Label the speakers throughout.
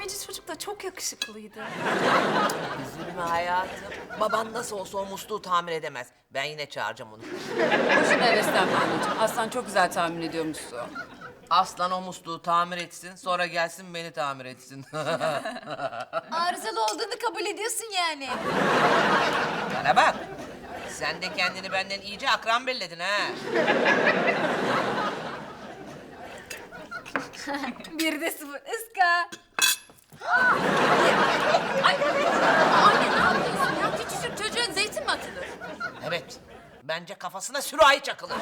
Speaker 1: tamirci çocuk da çok yakışıklıydı.
Speaker 2: Üzülme hayatım. Baban nasıl olsa o musluğu tamir edemez. Ben yine çağıracağım onu.
Speaker 3: Boşuna heveslenme anneciğim. Aslan çok güzel tahmin ediyormuşsun.
Speaker 2: Aslan o musluğu tamir etsin, sonra gelsin beni tamir etsin.
Speaker 4: Arızalı olduğunu kabul ediyorsun yani.
Speaker 2: Bana bak. Sen de kendini benden iyice akran belledin ha.
Speaker 4: Bir de sıfır ıska.
Speaker 3: Anne ne yapıyorsun ya? Küçücük çocuğa zeytin mi atılır?
Speaker 2: Evet. Bence kafasına sürahi çakılır.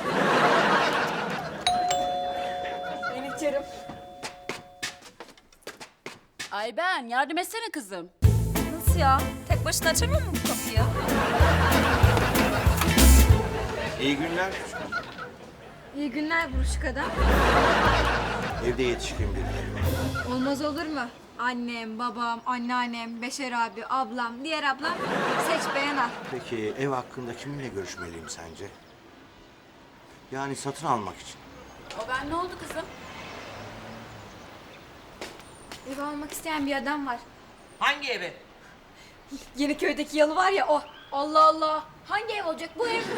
Speaker 1: Ben içerim.
Speaker 3: Ay ben yardım etsene kızım.
Speaker 1: Nasıl ya? Tek başına açamıyor mu bu kapıyı?
Speaker 5: İyi günler.
Speaker 4: İyi günler buruşuk adam.
Speaker 5: Evde yetişkin birileri var.
Speaker 4: Olmaz olur mu? Annem, babam, anneannem, Beşer abi, ablam, diğer ablam. Seç beğen al.
Speaker 5: Peki ev hakkında kiminle görüşmeliyim sence? Yani satın almak için.
Speaker 3: O ben ne oldu kızım?
Speaker 4: Ev almak isteyen bir adam var.
Speaker 2: Hangi evi?
Speaker 4: Yeniköy'deki yalı var ya o. Allah Allah. Hangi ev olacak bu ev?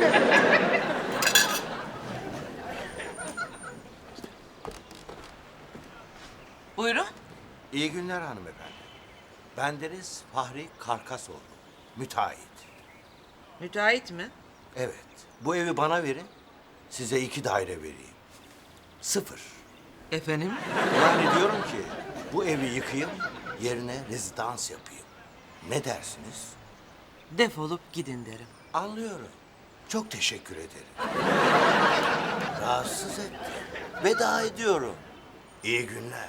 Speaker 2: Buyurun.
Speaker 5: İyi günler hanımefendi. Bendeniz Fahri Karkasoğlu. Müteahhit.
Speaker 2: Müteahhit mi?
Speaker 5: Evet. Bu evi bana verin. Size 2 daire vereyim. 0.
Speaker 2: Efendim?
Speaker 5: Yani diyorum ki bu evi yıkayım, yerine rezidans yapayım. Ne dersiniz?
Speaker 2: Defolup gidin derim.
Speaker 5: Anlıyorum. Çok teşekkür ederim. Rahatsız ettim. Veda ediyorum. İyi günler.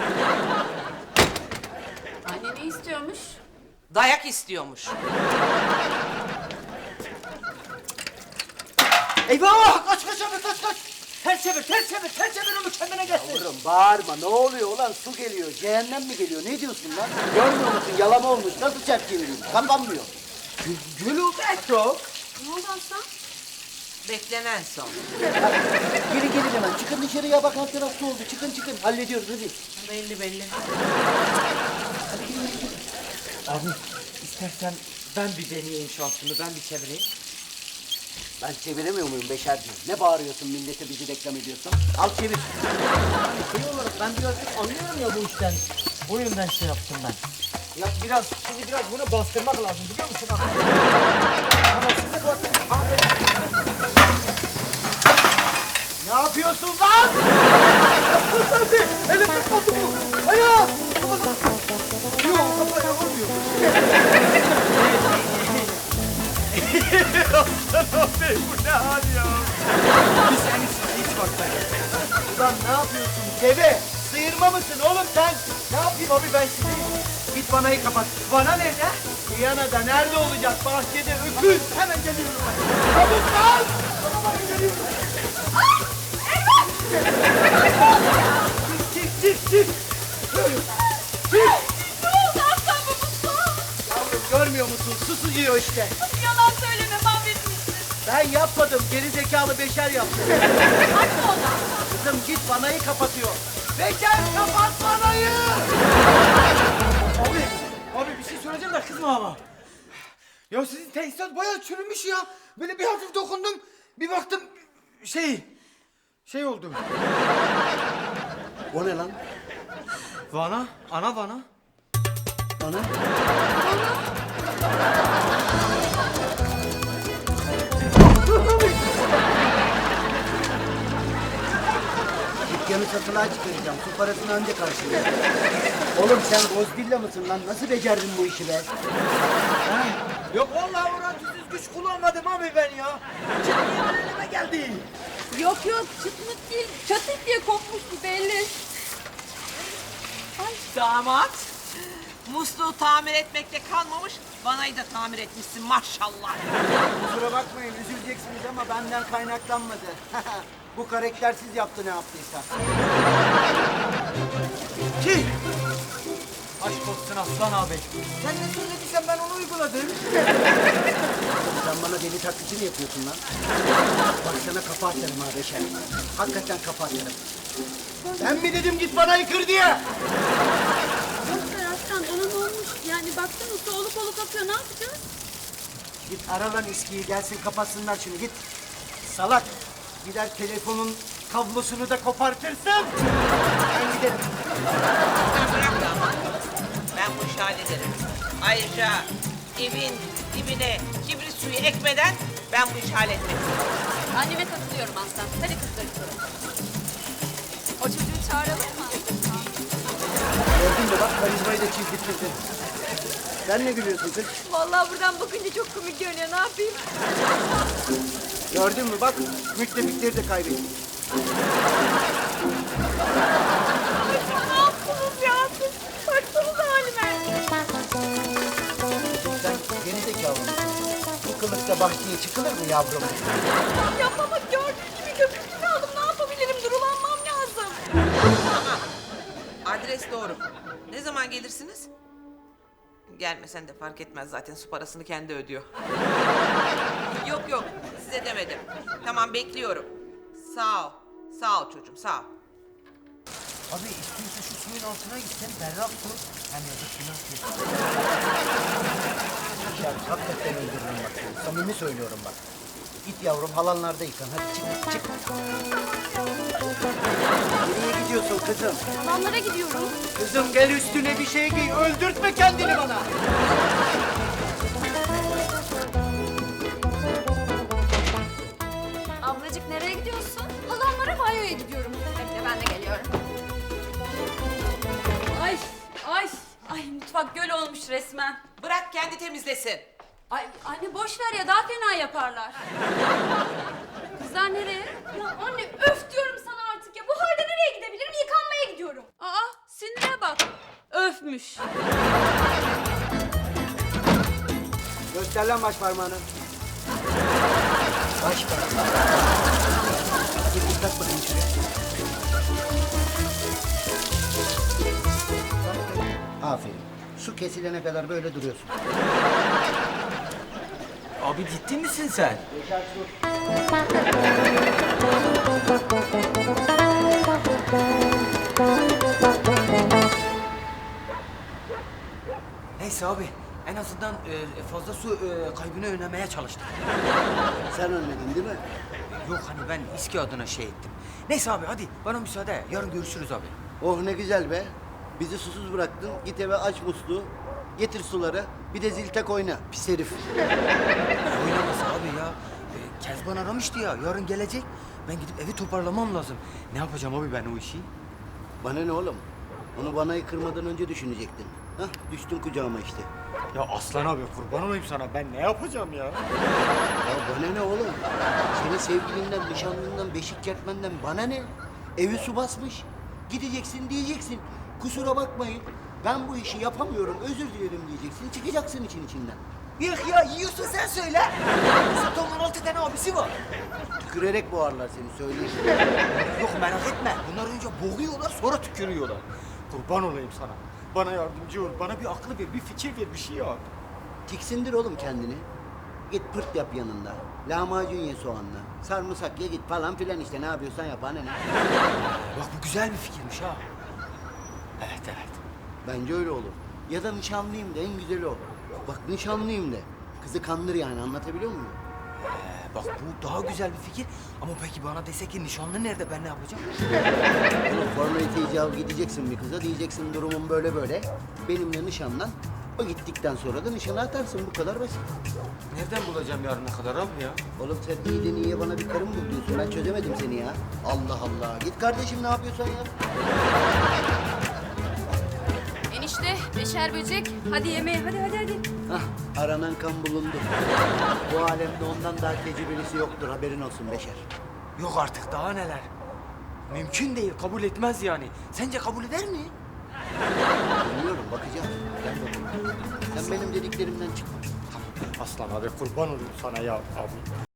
Speaker 3: Anne ne istiyormuş?
Speaker 2: Dayak istiyormuş.
Speaker 6: Eyvah! Kaç kaç abi kaç kaç! Ters çevir, ters çevir, ters çevir onu kendine gelsin.
Speaker 7: Yavrum bağırma, ne oluyor ulan? Su geliyor, cehennem mi geliyor? Ne diyorsun lan? Görmüyor musun? Yalama olmuş, nasıl çarp çevireyim? Kapanmıyor.
Speaker 6: Gülübek yok.
Speaker 4: Ne oldu Aslan?
Speaker 2: Beklenen son.
Speaker 7: Gelin hemen, çıkın dışarıya bak, alt taraf su oldu. Çıkın, hallediyoruz hadi.
Speaker 2: Belli belli.
Speaker 6: Abi istersen ben bir deneyeyim şansımı, ben bir çevireyim.
Speaker 7: Ben çeviremiyor muyum Beşerciğim? Ne bağırıyorsun millete, bizi reklam ediyorsun? Al çevir.
Speaker 6: Şey olarak ben birazcık anlıyorum ya bu işten. O yüzden şey yaptım ben. Ya şimdi biraz bunu bastırmak lazım biliyor musun abi? Ama size bak. Abi. Ne yapıyorsun lan? Elim tutmadı bu. Ayağı. Yok kafaya vurmuyor. Abi bu ne hal ya? Bir sen hiç bak sen. Ulan ne yapıyorsun deve? Sıyırma mısın oğlum sen? Ne yapayım abi ben şimdi? Git vanayı kapat. Vana nerede? Viyana'da nerede olacak? Bahçede öküz. Hemen geliyorum ben. Çabuk lan! Bana geliyorum. Eyvah! Çık. Çık.
Speaker 3: Ne oldu Aslan babası?
Speaker 6: Yavrum görmüyor musun? Susuyor işte.
Speaker 3: Yalan söyleme mahvetmişsin.
Speaker 6: Ben yapmadım. Geri zekalı Beşer yaptı.
Speaker 3: Hadi ona.
Speaker 6: Kızım git vanayı kapatıyor. Beşer kapat vanayı! Abi bir şey söyleyeceğim de kızma ama. Ya sizin tesisat bayağı çürümüş ya. Böyle bir hafif dokundum. Bir baktım şey oldu.
Speaker 7: O ne lan?
Speaker 6: Vana, ana vana.
Speaker 7: Bana? Dükkanı satılığa çıkaracağım. Su parasını önce karşılayacağım. Oğlum sen Godzilla mısın lan? Nasıl becerdin bu işi be?
Speaker 6: Yok vallahi orantısız güç kullanmadım abi ben ya. Çıkmıyor elime geldi.
Speaker 3: Yok çıtmıt değil. Çatık diye kopmuştu belli.
Speaker 2: Damat. Musluğu tamir etmekle kalmamış, vanayı da tamir etmişsin maşallah.
Speaker 7: Kusura bakmayın üzüleceksiniz ama benden kaynaklanmadı. Bu karaktersiz yaptı ne yaptıysa.
Speaker 6: Ki. Aşk olsun Aslan abi. Sen ne söylediysen ben onu uyguladım.
Speaker 7: Sen bana deli taklidi mi yapıyorsun lan? Bak sana kafa atarım ha Beşer. Hakikaten kafa atarım.
Speaker 6: Ben mi dedim git bana yıkır diye?
Speaker 4: Lütfen
Speaker 6: Ara lan eskiyi gelsin kapatsınlar şunu git. Salak. Gider telefonun kablosunu da kopartırsın. Ben giderim.
Speaker 2: Sen bırak da ama. Ben bu işi hallederim. Ayrıca evin dibine kibrit suyu ekmeden ben bu işi halletmek istiyorum.
Speaker 3: Anneme katılıyorum Aslan. Hadi kızlar yukarı.
Speaker 1: O çocuğu çağıralım mı?
Speaker 6: Gördün mü bak karizmayı da çizdirttirdin. Sen ne gülüyorsun kız?
Speaker 4: Vallahi buradan bakınca çok komik görünüyor. Ne yapayım?
Speaker 6: Gördün mü bak müttefikleri de kaybettik.
Speaker 1: Ne yaptınız ya siz? Baksanıza halime.
Speaker 6: Sen geri zekalı mısın? Bu kılıkta bahçeye çıkılır mı yavrum?
Speaker 1: Yapmamak gördüğün gibi köpüklü kaldım. Ne yapabilirim? Durulanmam lazım.
Speaker 2: Tamam. Adres doğru. Ne zaman gelirsiniz? Gelmesen de fark etmez zaten su parasını kendi ödüyor. Yok yok size demedim. Tamam bekliyorum. Sağ ol. Sağ ol çocuğum sağ ol.
Speaker 7: Abi istiyorsa şu suyun altına gitsen berrak su. Hem yazık günah değil.
Speaker 6: Ya hakikaten öldürürüm bak seni. Samimi söylüyorum bak. Git yavrum halanlarda yıkan. Hadi çık çık. Nereye gidiyorsun kızım?
Speaker 3: Halamlara gidiyorum.
Speaker 6: Kızım gel üstüne bir şey giy. Öldürtme kendini bana.
Speaker 4: Ablacık nereye gidiyorsun?
Speaker 3: Halamlara banyoya gidiyorum.
Speaker 4: Bekle ben de geliyorum.
Speaker 3: Ay, ay, ay mutfak göl olmuş resmen.
Speaker 2: Bırak kendi temizlesin.
Speaker 3: Ay anne boş ver ya daha fena yaparlar. Kızlar nereye? Ya anne öf diyorum sana artık ya. Bu halde nereye gidebilirim? Yıkanmaya gidiyorum. Aa sinire bak. Öfmüş.
Speaker 6: Göster lan baş parmağını. Baş parmağını. Bir tak bakayım şuraya. Aferin. Su kesilene kadar böyle duruyorsun.
Speaker 8: Abi ciddi misin sen?
Speaker 7: Neyse abi en azından fazla su kaybını önlemeye çalıştık.
Speaker 6: Sen ölmedin değil mi?
Speaker 7: Yok hani ben İSKİ adına şey ettim. Neyse abi hadi bana müsaade. Yarın görüşürüz abi.
Speaker 6: Oh ne güzel be. Bizi susuz bıraktın. Git eve aç musluğu. Getir suları. Bir de zil tak oyna. Pis herif.
Speaker 7: Oynaması abi ya. Kezban aramıştı ya. Yarın gelecek. Ben gidip evi toparlamam lazım. Ne yapacağım abi ben o işi?
Speaker 6: Bana ne oğlum? Onu banayı kırmadan önce düşünecektin. Hah düştün kucağıma işte.
Speaker 8: Ya Aslan abi kurban olayım sana. Ben ne yapacağım ya?
Speaker 6: Ya bana ne oğlum? Senin sevgilinden, nişanlından, beşik kertmenden bana ne? Evi su basmış. Gideceksin diyeceksin. Kusura bakmayın. Ben bu işi yapamıyorum. Özür dilerim diyeceksin. Çıkacaksın için içinden.
Speaker 7: Yok ya yiyorsun sen söyle. Zaten 16 tane abisi var.
Speaker 6: Tükürerek boğarlar seni söyleyeyim.
Speaker 7: Yok merak etme. Bunlar önce boğuyorlar sonra tükürüyorlar.
Speaker 8: Kurban olayım sana. Bana yardımcı ol. Bana bir aklı ver, bir fikir ver, bir şey yap.
Speaker 6: Tiksindir oğlum kendini. Git pırt yap yanında. Lahmacun ye soğanla. Sarımsak ye git falan filan işte. Ne yapıyorsan yap anne.
Speaker 7: Bak bu güzel bir fikirmiş ha. Evet evet.
Speaker 6: Bence öyle olur. Ya da nişanlıyım de en güzeli o. Bak nişanlıyım de. Kızı kandır yani anlatabiliyor muyum?
Speaker 7: Bak bu daha güzel bir fikir. Ama peki bana dese ki nişanlı nerede ben ne yapacağım?
Speaker 6: Bunun formalite icabı gideceksin bir kıza. Diyeceksin durumum böyle böyle. Benimle nişanlan. O gittikten sonra da nişana atarsın. Bu kadar basit.
Speaker 8: Nereden bulacağım yarına kadar abi ya?
Speaker 6: Oğlum sen iyiden iyiye bana bir karım bul diyorsun. Ben çözemedim seni ya. Allah Allah. Git kardeşim ne yapıyorsan yap.
Speaker 3: Enişte beşer böcek. Hadi yemeğe hadi.
Speaker 6: Hah, aranan kan bulundu. Bu alemde ondan daha tecrübelisi yoktur. Haberin olsun Beşer.
Speaker 7: Yok artık daha neler. Mümkün değil kabul etmez yani. Sence kabul eder mi?
Speaker 6: Bilmiyorum, bakacağım. Gel bakalım. Sen benim dediklerimden çıkma.
Speaker 8: Aslan abi kurban olayım sana ya abi.